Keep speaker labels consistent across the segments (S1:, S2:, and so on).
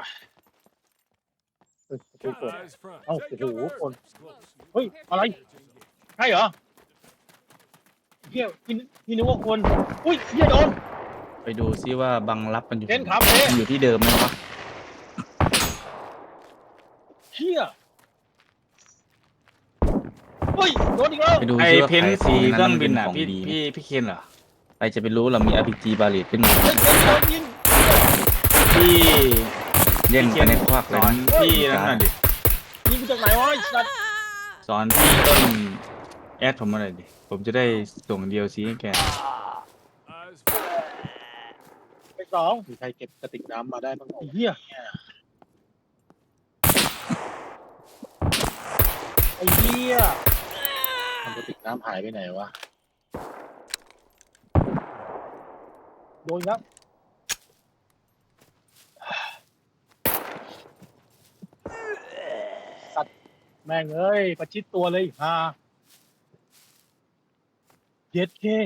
S1: ประตูเปิด
S2: Eyes front.
S1: Oh,
S2: Take
S1: oh,
S2: cover.
S1: oh.
S2: It's close.
S1: เฮ้ยอะไรใช่เหรอเฮียพี่นึกว่าคนอุ้ยเฮียโดน
S3: ไปดูซิว่าบังรับมันอยู่
S1: เล่นครับเ
S3: มันอยู่ที่เดิมไหมวะ
S1: เฮียเฮ้ยโดนอีกแล้ว
S3: ไปดู
S4: ไอ
S3: ซิว่า
S4: เพน
S3: ไข่
S4: สี
S3: ซี
S4: เครื่องบิน
S3: มั
S4: อ่ะ
S3: ของ
S4: พี่
S3: ดีไหม
S4: พี่เคนเหรอ
S3: ใครจะไปรู้เรามี RPG บาเลตขึ้นมา
S1: เฮ้ยโดนยิง
S4: พี่
S3: เล่นไปในควัก
S4: ส
S3: เลย
S4: อน
S3: นะ
S4: พี่นั่นหน่อยดิ
S1: ยิงมาจากไหนวะไอ้สัตว์
S4: สอนพี่ต้นแอดผมมาหน่อยดิผมจะได้ส่ง DLC ให้แก
S2: Eyes front.
S1: ไปสองมีใครเก็บกระติกน้ำมาได้บ้างไอ้เฮียไอ้เฮียทำกระติกน้ำหายไปไหนวะโดนครับสัตว์แม่งเอ้ยประชิดตัวเลยฮาเจ็ดเค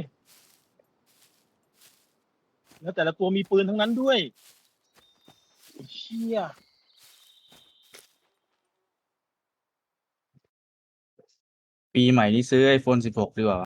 S1: แล้วแต่ละตัวมีปืนทั้งนั้นด้วยไอ้เชี่ย
S3: ปีใหม่นี้ซื้อ iPhone 16 ดีกว่า